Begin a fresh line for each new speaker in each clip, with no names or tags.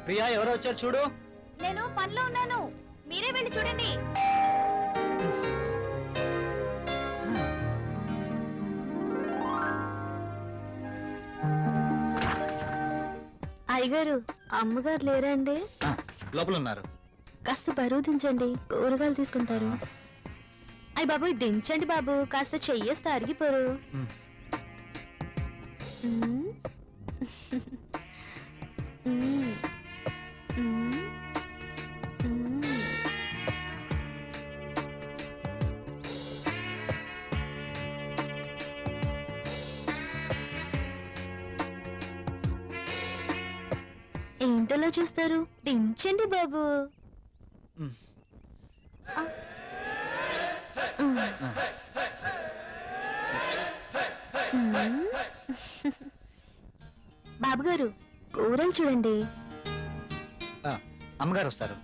ప్రియా ఎవరో వచ్చారు చూడు.
నేను పనిలో ఉన్నాను, మీరే వెళ్ళి చూడండి.
అయ్యగారు, అమ్మగారు లేరండి?
లోపల ఉన్నారు.
కాస్త బరువు దించండి, కూరగాయలు తీసుకుంటారు. అయ్య బాబు, దించండి బాబు, కాస్త చెయ్యేస్తే అరిగిపోరు. ఏంటలా చూస్తారు? దించండి బాబు. బాబుగారు, కూరలు చూడండి.
అమ్మగారు వస్తారు.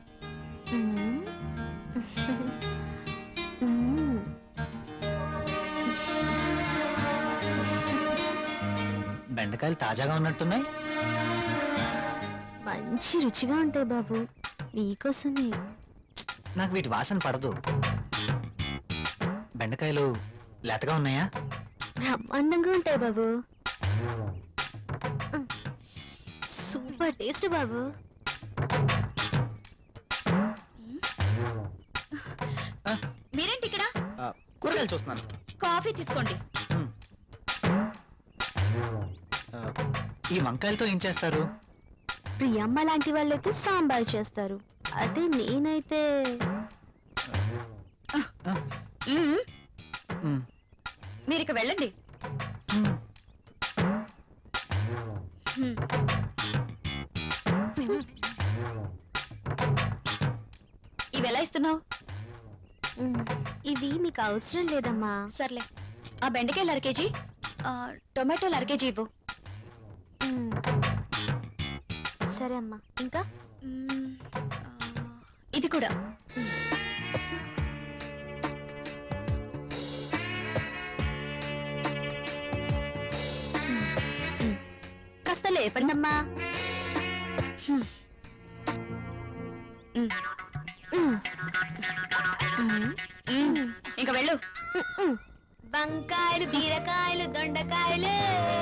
బెండకాయలు తాజాగా ఉన్నట్టున్నాయి.
మంచి రుచిగా ఉంటాయి బాబు, మీకోసమే.
నాకు వీటి వాసన పడదు. బెండకాయలు లేతగా ఉన్నాయా?
బ్రహ్మాండంగా ఉంటాయి బాబు, సూపర్ టేస్ట్ బాబు.
మీరేంటి ఇక్కడ?
కూరగాయలు చూస్తున్నాను.
కాఫీ తీసుకోండి.
ఈ వంకాయలతో ఏం చేస్తారు?
ప్రియమ్మ లాంటి వాళ్ళైతే సాంబార్ చేస్తారు, అదే నేనైతే
మీరు ఇక వెళ్ళండి. ఇవి ఎలా ఇస్తున్నావు?
ఇవి మీకు అవసరం లేదమ్మా.
సర్లే, ఆ బెండకాయలు 1/2 కేజీ, టొమాటోలు 1/2 కేజీ ఇవ్వు.
సరే అమ్మా. ఇంకా
ఇది కూడా. కాస్త లేపండి అమ్మా. ఇంకా వెళ్ళు.
వంకాయలు, బీరకాయలు, దొండకాయలు.